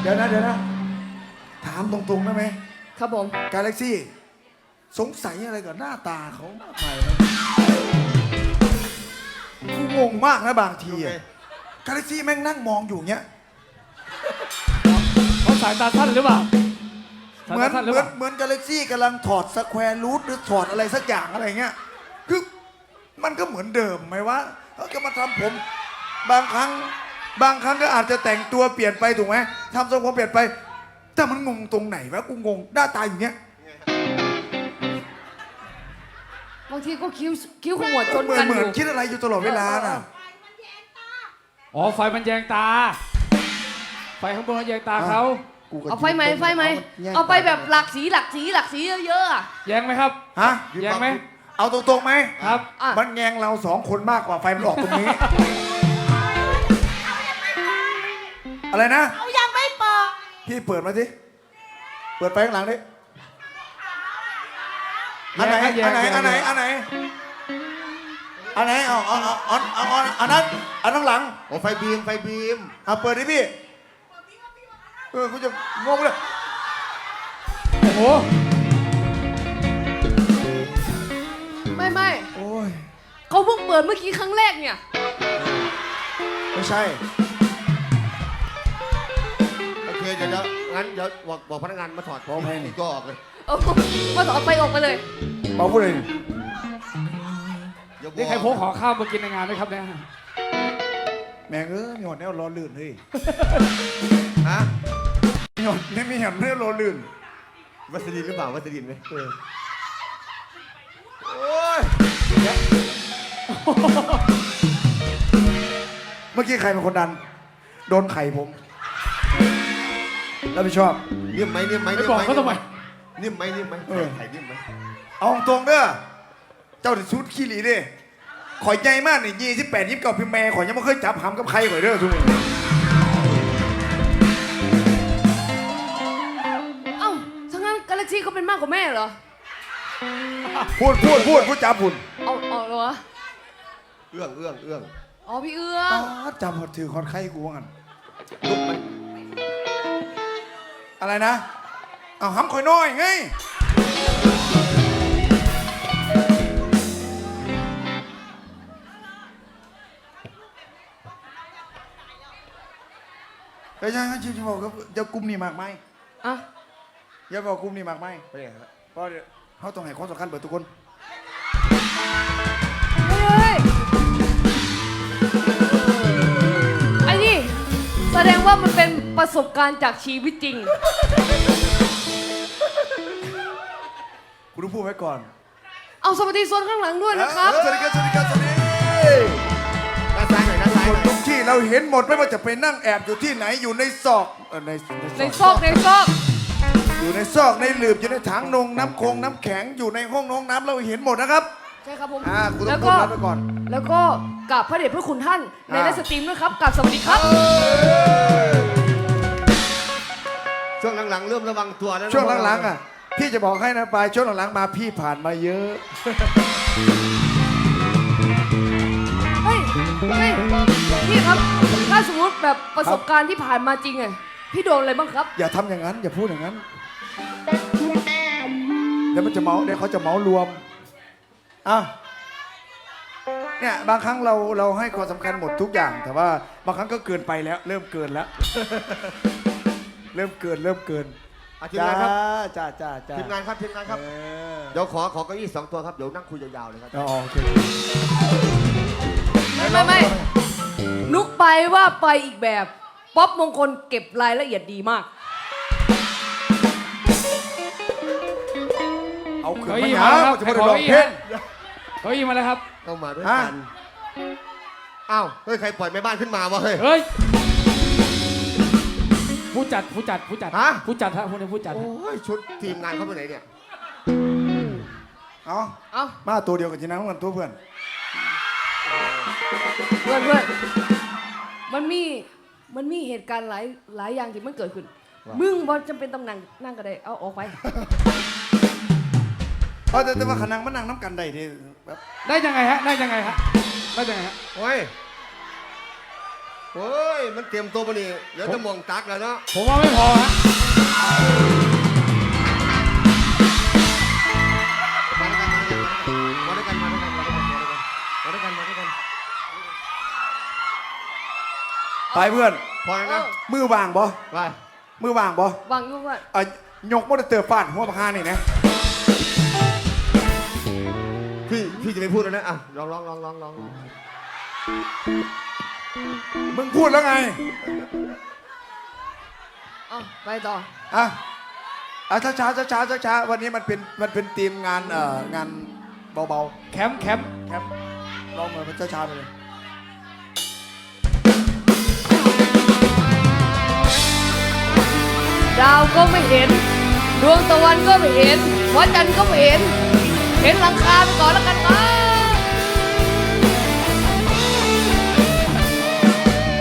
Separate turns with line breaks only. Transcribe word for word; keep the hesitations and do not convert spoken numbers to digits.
เดี๋ยวนะเดี๋ยวนะถามตรงๆได้ไหม
ครับผม
กาแล็กซี่สงสัยอะไรกับหน้าตาเขามากมายเลยกูงงมากนะบางทีอะกาแล็กซี่แม่งนั่งมองอยู่เงี้ย
เขาสายตาสั้นหรือเปล่า
เหมือนเหมือนเหมือนกาแล็กซี่กำลังถอดสแควร์รูทหรือถอดอะไรสักอย่างอะไรเงี้ยคือมันก็เหมือนเดิมไหมวะเขาจะมาทำผมบางครั้งบางครั้งก็อาจจะแต่งตัวเปลี่ยนไปถูกไหมทำทรงผมเปลี่ยนไปแต่มันงงตรงไหนวะกูงงหน้าตาอย่างเงี้ย
บางทีก็คิ้วคิ้วขมวดจน
เหมือ
กัน น
เหมื
อ
อน
ยู่
คิดอะไรอยู่ตลอดเวลาน่ะ
อ๋อไฟมันแยงตาไฟข้างบนมันแยงตาเขา
เอาไฟไหมไฟไหมเอาไปแบบหลากสีหลากสีหลากสีเยอะๆอะ
แยงไหมครับ
ฮะ
แยงไหม
เอาตรงๆไหม
ครับ
อ่ะ
มันแงงเราสองคนมากกว่าไฟมันออกตรงนี้ อะไรนะ
เอายังไม่เปิด
พี่เปิดมาสิเปิดไฟข้างหลังดิอันไหน
แย
อั
ง
นไหน
แยง
อันไหนอันไหนอันไหนเอาเอาเอาเอาเอาเอาอันนั้นอันข้างหลัง
โอ้ไฟบีมไฟบีม
เอาเปิดดิพี่เออกูจะงงเลย
โอ้โห
ไม่ไม่
โอ้ย
เขาเพิ่งเปิดเมื่อกี้ครั้งแรกเนี่ย
ไม่ใช่
โอเคเดี๋ยวเดี๋ยวงั้นเดี๋ยวบอกบอกพนักงานมาถอด
พร้อมให้นี่
ก็ออกเลย
เอามาต่อไปออกไปเลย
เบาพูดเลย
เดี๋ยวบอก
นี่ใครพกขอข้าวมากินในงานไหมครับเนี่ย
แม่งเอ้ยมีหอดแนวรอลื่นเฮ้ย
ฮะ
มีหอดนี่มีหอดแนวรอลื่น
วัสดินหรือเปล่าวัสดินไหมเออ
โอ้ยเมื่อกี้ใครเป็นคนดัน โดนไข่ผมรับผิดชอบ
นิ่มไหมนิ่มไหม
ไม่บอกเขาทำไม
นิ่มไหมนิ่มไหม
เออ
ไข่นิ่มไหม
เอาตรงเด้อเจ้าถึงชุดขี้หลีดิข่อยใหญ่มากนี่ยี่สิบแปดยี่สิบเก้าพิมพ์แม่ข่อยยังไม่เคยจับหำกับใครข่อยเด้อทุกคน
เอ้าถ้างั้นกาแล็กซี่เขาเป็นมากกว่าแม่เหรอ
พูดพูดพูดพูดจับพูด
เอาเอาเหรอ
เอื้องเอื้องเอื้อง
อ๋อพี่เอื้อ
อ๋อง จับหดถือคอนไข้กูว่างั้น
ลุกไหม
อะไรนะเอาหำข่อยน้อยไงเฮ้ยยังชิวๆบอกก็จะกลุ่มนี่มากไหม
อ่ะ
อย่าบอกกลุ่มนี่มากไหม
ไปไหนครับ
เพราะเดี๋ยวเขาต้องให้ความสำคัญเบิดทุกคน
เฮ้ยไอ้นี่แสดงว่ามันเป็นประสบการณ์จากชีวิตจริง
กูต้องพูดไว้ก่อน
เอาสวัสดีโซนข้างหลังด้วยนะครับ
สวัสดีครับสวัสดีครับสวัสดี
ด้านซ้ายหน่อยด้านซ้าย
ค
ห
น
น่อย
ทุกที่เราเห็นหมดไม่ว่าจะไปนั่งแอบอยู่ที่ไหนอยู่ในซอกเออใน
ในซอกในซอก
อยู่ในซอกในหลืบอยู่ในถังนงน้ำคงน้ำแข็งอยู่ในห้องน้องน้ำเราเห็นหมดนะครับ
ใช่ครับผม
อ่ากูต้
แล้
อง
ว
พู
ก็
ดรับไว้ก่อน
แล้วก็กราบพระเดชพระคุณท่านในไลฟ์สตรีมด้วยครับกราบสวัสดีครับ
ช่วงหลังๆเริ่มระวังตัวแล้วนะ
ช่วงหลังๆอ่ะพี่จะบอกให้นะปลายช่วงหลังๆมาพี่ผ่านมาเยอะ
เฮ้ยเฮ้ยพี่ครับถ้าสมมติแบบประสบการณ์ที่ผ่านมาจริงไงพี่โดนอะไรบ้างครับ
อย่าทำอย่างนั้นอย่าพูดอย่างนั้นเดี๋ยวมันจะเมาเดี๋ยวเขาจะเมารวมอ่ะเนี่ยบางครั้งเราเราให้ความสำคัญหมดทุกอย่าง แต่ว่าบางครั้งก็เกินไปแล้ว เริ่มเกินแล้ว เริ่มเกินเริ่มเกิน
อ่ะทีมงานครับ
จ้าจ้าจ้า
ทีมงานครับทีมงานครับ
เออ
เดี๋ยวขอขอเก้าอี้สองตัวครับเดี๋ยวนั่งคุยยาวๆเลยครับ
อ๋อโอเค
ไม่ไม่ไม่นุกไปว่าไปอีกแบบป๊อปมงคลเก็บรายละเอียดดีมาก
เอาขึ้น
เก้า
มา
อี้
หา
มาแล้วครับ
จะ
ใคร
ไม่
ข
ได้
อ
ร้อง
เก้าอี้
เพล
ฮะ
ง
เก้าอี้มาแล้วครับ
เข้ามาด้วยกันอ้าวเฮ้ยใครปล่อยแม่บ้านขึ้นมาวะเฮ้ย
เฮ้ยผู้จัดผู้จัดผู้จัด
ฮะ
ผู้จัดฮะผู้นี้ผู้จัด
โอ้ยชุดทีมงานเขาไปไหนเนี่ย
เอา
เอ้า
มาตัวเดียวกับจีนังกันตัวเพื่อน
เพื่อนเพื่อนมันมีมันมีเหตุการณ์หลายหลายอย่างที่มันเกิดขึ้น มึงบอลจำเป็นต้องนั่งนั่งก็ได้เอาออกไป
เพราะแต่แต่ว่าขนังมันนั่งน้ำกันได้ที่แบบ
ได้ยังไงฮะได้ยังไงฮะได้ยังไงฮะ
โอ้ยโอ้ย มันเตรียมตัวมานี่เดี๋ยวจะมองตักแล้วเนาะ
ผมว่าไม่พอฮะ
มาด้วยกันมาด้วยกันมาด้วยกันมาด้วยกันมาด้วยกันมาด้วยกัน
ไปเพื่อน
พอแล้วนะ
มือวางบ่
ไป
มือวางบ่
วางอยุ่ว่า
อ่ะยกมอเตอร์เตอร์ฟาดหัวพานี่นะ
พี่พี่จะไม่พูดแล้วนะอ่ะลองลองลองลองลอง
มึงพูดแล้วไง
เอาไปต่อ
อ่ะอ่ะช้าช้าช้าช้าช้าช้าๆวันนี้มันเป็นมันเป็นทีมงานเอ่องานเบา
แคมป์แคมป์
ๆแคมป์ลองเหมือนมันช้าช้าๆไปเลย
ดาวก็ไม่เห็น ดวงตะวันก็ไม่เห็นหัวจันทร์ก็ไม่เห็น เห็นหลังคาไปก่อนแล้วกันครับ